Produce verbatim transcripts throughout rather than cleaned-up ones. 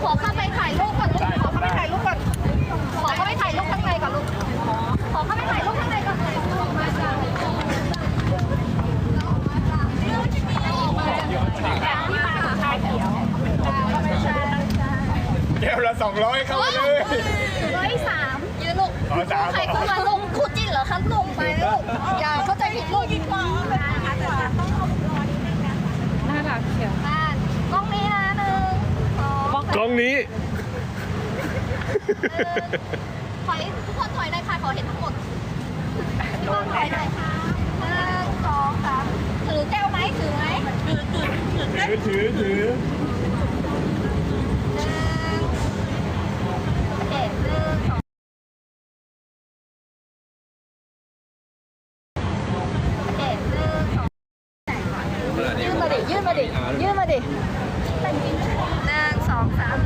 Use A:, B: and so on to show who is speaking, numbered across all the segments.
A: ขอเข้าไปถ่ายรูปก่อนลูกขอเข้าไปถ่ายรูปก่อนขอเข้าไปถ่ายรูปข้างในก่อนลูกขอเข้าไปถ่ายรูปข้างในก่อนมาจ้ะ
B: แก้วละสองร้อยเข้าไปเลย
A: ร้อยสามยืนลูกใครขึ้นมาลงคู่จิ้นเหรอคะลงไปลูกอย่าเข้าใจผิดลูกดีกว่าน่ารักเชียวกล้องนี้นะหนึ่งสอง
C: กล้องนี้
A: ถอยทุกคนถอยหน่อยค่ะขอเห็นทั้งหมดทุกคนถอยหน่อยค่ะหนึ่งสองสามถือแก้วไหมถือไหมถือถือถือ
B: ถือถือถือ
A: เจ็ดหนึ่งสองเจ็ดหนึ่งสองยื่นมาดิยื่นมาดิยื่นมาดิหนึ่งสองสาม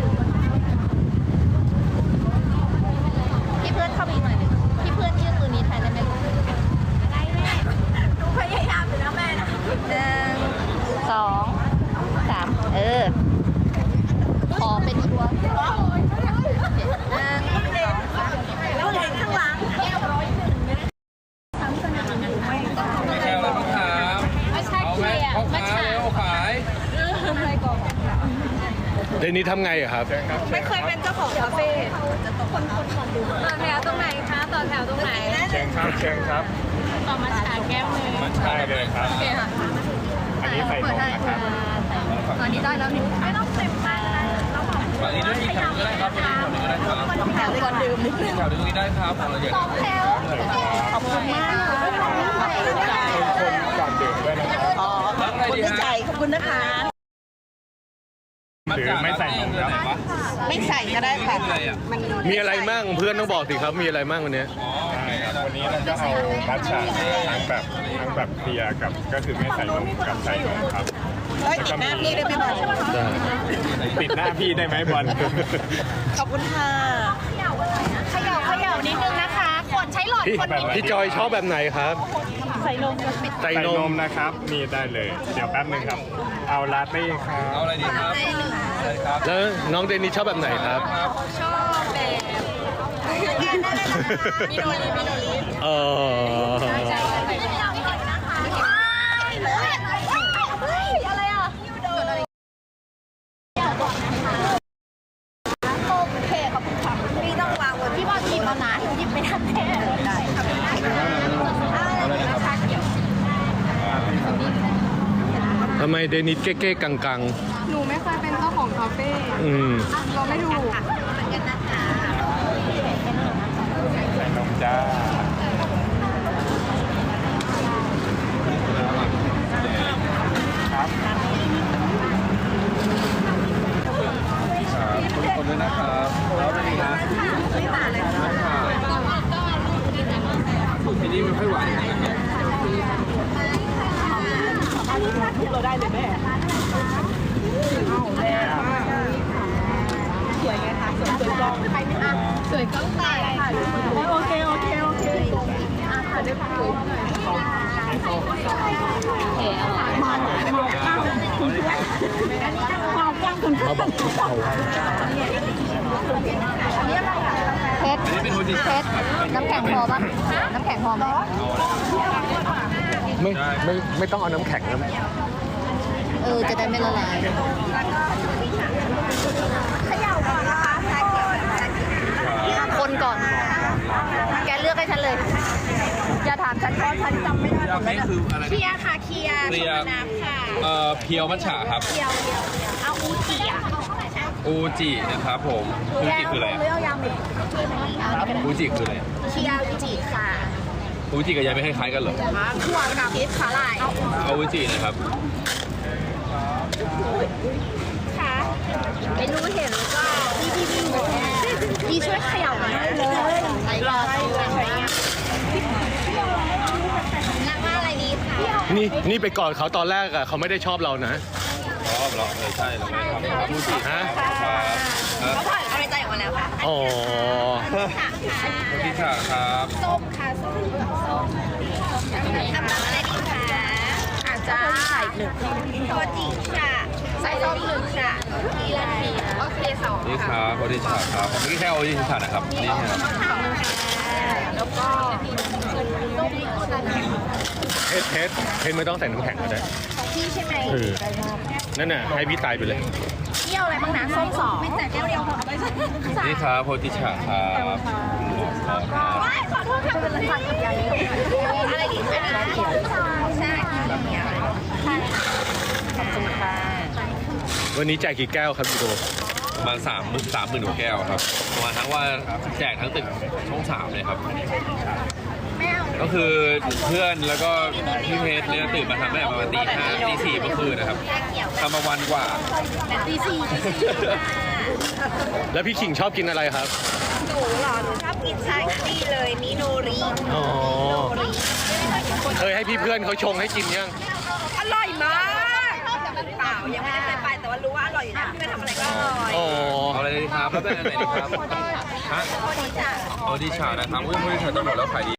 A: พี่เพื่อนเข้าไปอีกหน่อยหนึ่งพี่เพื่อนยื่นมือนี้แทนได้ไหมได้แม่หนูพยายามอยู่แล้วแม่นะหนึ่งสองสามเออขอเป็นตัวหนึ่งสองสามแล้วเห็นข้างหลังแก้วร้อยหนึ่งซ้ำสนาม
D: แก้วอะไรบ้างครับ
A: ไม่ใช่
D: เอา
A: เค
D: ไหม
A: ลียร์
D: พ่อ
A: ไม่
D: ค้า
A: ใช่
D: เร็วขาย
A: อะไรก่อน
C: เดนนี้ทำไงอะครับ
A: ไม่เคยเป็นเจ้าของคาเฟ่คนคนคนดูต่อแถวตรงไหนคะต่อแถวตรงไหน
B: เชิญครับเชิญครับ
A: ต่อมาฉาแก้วเลย
D: มันใช่
B: ได้เลยครับ
A: โอเคค่ะ
B: อันนี้ใส่นมนะครับ
A: ตอนนี้ได้แล้วไม่ต้องเต็มมากนะ
D: ฝั่งนี้ด้วยมีแถวนึงก็ได้ครับฝั่งนี้แถวนึงก็ได้ครับ
A: ต้องแถวก่อนดื่มนิดนึง
D: แถวนึงนี้ได้ครับของเราเยอะ
A: สองแถวขอบคุณมาก
B: คนก่อนดื่มด้วยนะครับ
D: รับอะไรดีฮะ
A: ขอบคุณนะคะ
B: หรือไม่ใส่นมครับ
A: ไม่ใส่ก็ได้ค่ะ
D: อะไรอ่ะ
C: มีอะไรมั่งเพื่อนต้องบอกสิครับ มีอะไรมั่งวันนี้
D: อ๋อโอเคครับ
B: วันนี้เราก็เอามัทฉะทั้งแบบทั้งแบบเคลียร์กับก็คือไม่ใส่นมกับใส่นมครับ
A: เฮ้ยติดหน้าพี่ได้ไหมบอล
C: ได้
B: ปิดหน้าพี่ได้ไหมบอล
A: ขอบคุณค่ะเขย่าเขย่านิดนึงนะคะกดใช้หลอด
C: พี่
A: คนนิดนึง
C: พี่จอยชอบแบบไหนครับ
A: ใส่นม
C: ใส่
B: ใส่
C: น
B: น
C: ม
B: มนะครับนี่ได้เลย เดี๋ยวแป๊บนึงครับ เอาลาเต้ครับ
D: เอาอะไรดีครับใช่ครับ
C: แล้วน้องเดนนี่ชอบแบบไหนครับ
A: ชอบแบบมิโนริมิโนริ
C: เออ
A: อะไรอ่ะโอเคขอบคุณค่ะพี่ต้องวางบนพี่บอลหยิบมานะหยิบไม่ทันแน่ได้ครับอะไรนะคะเกี่ยว
C: ทำไมเดนิสเก้ๆกัง
E: หนูไม่เคยเป็นเจ้าของคาเฟ่
C: ๆอืม
E: เราไม่ถูก
A: เหมือนกันนะคะ
B: ใส่นมจ้า ครับ
D: คนด้วยนะครับแล้วอะไรดีนะสูตรที่นี่ไม่ค่อยหวานนะครับ
E: เราได้เลยแม่สวยไงคะสวยสวยกล้องใครไม่อ่ะสวยกล้องตายค่ะโอเคโอเคโอเคอ่ะค่ะได้ค่ะมาหน่อยมาก้าวคุณเพื่อนมาก้าวคุณเพื่อน
C: มาบอกทุกเขา
A: เพชร
D: อันนี้เป็นโฮจิ
A: เพชรน้ำแข็งพอปะน้ำแข็งพอไหม
C: ไม่ไม่ไม่ต้องเอาน้ำแข็งนะ
A: เออ จะได้ไม่ละลายเขย่าก่อนนะคะคนก่อน แกเลือกให้ฉันเลย อย่าถามฉันเพราะฉันจำไม่ได้หมด
D: นี่
A: แล้ว
D: คืออะไร
A: เคียร์ค่ะเคียร์
D: เคลียร์
A: น้ำค่ะ
D: เอ่อเพียวมัทฉะครับ
A: เคียวเคียวเอาอูจิอ่ะ
D: อูจินะครับผมอูจิคืออะไร
A: เลือกยำอีกเอาอันนี้ก็ได้
D: อูจิคืออะไร
A: เคียร์อูจิค่ะ
D: อูจิกับยายไม่คล้ายๆกันเหรอ
A: ถั่วกับพริกขาลาย
D: เอาอูจินะครับ
A: ค่ะไม่รู้เห็นหรือเปล่าพี่พี่พี่พี่ช่วยเขย่าหน่อยเลยไหนรอใช้งานนักว่าอะไรดีคะ
C: นี่นี่ไปกอดเขาตอนแรกอะเขาไม่ได้ชอบเรานะ
D: ชอบเหรอเออใช่เราไม่ทำครับอูจิ
C: ฮะ
A: เขาถ่ายเอาในใจออกมาแล้วค่ะ
C: อ๋อ
A: ค่ะค่ะ
D: อูจิฉะครับ
A: ส้มค่ะส้มส้มทำน้ำอะไรดีคะอาจจะใส่หนึ่งโทจิค่ะใส่ส้มหนึ่งค่ะทีละทีโอเคสอง
D: นี่ครับโอดิชาครับผมไม่แค่โอดิชานะครับนี่ครับ
A: แล้วก็
C: เพชรเพชรเพชรไม่ต้องใส่น้ำแข็งก็ได้
A: ของพี่ใช่ไหม
C: เออนั่นน่ะให้พี่ตายไปเลย
A: เที่ยวอะไรบ้างนะส้มสองไม่แต่แก้วเดียวพอ
D: นี่ครับโอดิชาครับ
A: ว้ายขอโทษค่ะเป็นอะไรค่ะใหญ่อะไรดีคะใช่แบบนี้ใช่ขอบคุณค่ะ
C: วันนี้แจกกี่แก้วครับพี่โด
D: ประมาณสามสามหมื่นกว่าแก้วครับประมาณทั้งว่าแจกทั้งตึกช่องสามเลยครับ ก็คือเพื่อนแล้วก็พี่เพชรเนี่ยตื่นมาทำตั้งแต่ประมาณตีห้าตีสี่เมื่อคืนนะครับทำมาวันกว่า
A: ตีสี่ตีสี่
C: แล้วพี่ขิงชอบกินอะไรครับ
A: หนูเหรอหนูชอบกินชาคีเลยมิโนริ
C: อ๋อ
A: โนริ
C: เคยให้พี่เพื่อนเขาชงให้กินยัง
A: อร่อยมากเปล่ายังไม่ได้เคยไปแต่ว่ารู้ว่าอร่อยอยู่นะพี่ไปทำอะไรก็อร่อย
C: อ๋อ
D: เอาอะไรดีครับแล้วเป็นอะไรดีครับฮะ
A: คนนี้จ้ะ
D: โอดิชานะครับอุ้ยโอดิชาจะหมดแล้วขายดี